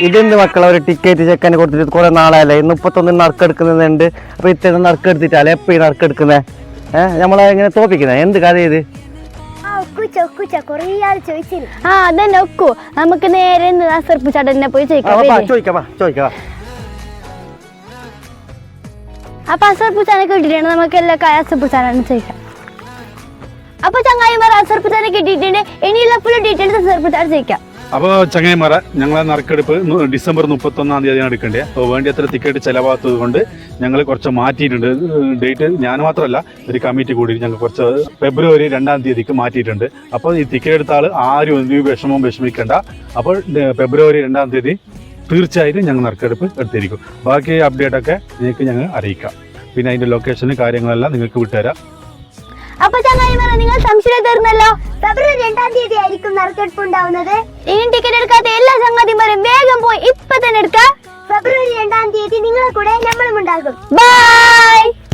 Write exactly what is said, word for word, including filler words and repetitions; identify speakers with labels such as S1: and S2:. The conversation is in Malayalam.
S1: ഇതെന്ത് മക്കളെ ഒരു ടിക്കറ്റ് ചെക്കന് കൊടുത്തിട്ട് കുറെ നാളായല്ലേ മുപ്പത്തൊന്നിന് നറുക്കെടുക്കുന്നുണ്ട്. അപ്പൊ ഇത്ര നറുക്കെടുത്തിട്ടല്ലേ എപ്പോ ഈ നറുക്കെടുക്കുന്നേ? ഏഹ് നമ്മളെ ഇങ്ങനെ തോപ്പിക്കുന്നേ എന്ത് കഥ ഇത്?
S2: ആ അതന്നെ ഒക്കു. നമുക്ക് നേരെ അസർപ്പ് ചടനെ പോയി ചോദിക്കാം. അപ്പൊ അസർപ്പുച്ചാനെ കിട്ടിയിട്ടുണ്ട്. നമുക്ക് എല്ലാ കാര്യം അസർപ്പുച്ചാനാണ് ചോദിക്കാം. അപ്പൊ ചങ്ങായിമാർ അസർപ്പുച്ചാനെ കിട്ടിയിട്ടുണ്ട്. ഇനിയുള്ള ഫുൾ ഡീറ്റെയിൽസ് അസർപ്പുച്ചാൻ ചോദിക്കാം.
S3: അപ്പോൾ ചങ്ങായിമാരെ ഞങ്ങളെ നറുക്കെടുപ്പ് ഡിസംബർ മുപ്പത്തൊന്നാം തീയതിയാണ് എടുക്കേണ്ടത്. അപ്പോൾ വേണ്ടി അത്ര ടിക്കറ്റ് ചിലവാത്തത് കൊണ്ട് ഞങ്ങൾ കുറച്ച് മാറ്റിയിട്ടുണ്ട് ഡേറ്റ്. ഞാൻ മാത്രമല്ല ഒരു കമ്മിറ്റി കൂടി ഞങ്ങൾ കുറച്ച് ഫെബ്രുവരി രണ്ടാം തീയതിക്ക് മാറ്റിയിട്ടുണ്ട്. അപ്പോൾ ഈ ടിക്കറ്റ് എടുത്ത ആൾ ആരും ഒരു വിഷമവും വിഷമിക്കേണ്ട. അപ്പോൾ ഫെബ്രുവരി രണ്ടാം തീയതി തീർച്ചയായിട്ടും ഞങ്ങൾ നറുക്കെടുപ്പ് എടുത്തിരിക്കും. ബാക്കി അപ്ഡേറ്റ് ഒക്കെ നിങ്ങൾക്ക് ഞങ്ങൾ അറിയിക്കാം. പിന്നെ അതിൻ്റെ ലൊക്കേഷനും കാര്യങ്ങളെല്ലാം നിങ്ങൾക്ക് വിട്ടുതരാം.
S2: അപ്പൊ ചങ്ങായിമാരെ നിങ്ങൾ സംശയം തീർന്നല്ലോ. ഫെബ്രുവരി രണ്ടാം തീയതി ആയിരിക്കും നറുക്കെടുപ്പ് ഉണ്ടാവുന്നത്. ഇനി ടിക്കറ്റ് എടുക്കാത്ത എല്ലാ സംഗതിമാരും വേഗം പോയി ഇപ്പൊ തന്നെ എടുക്കാം. ഫെബ്രുവരി രണ്ടാം തീയതി നിങ്ങളെ കൂടെ നമ്മളും ഉണ്ടാകും. ബൈ.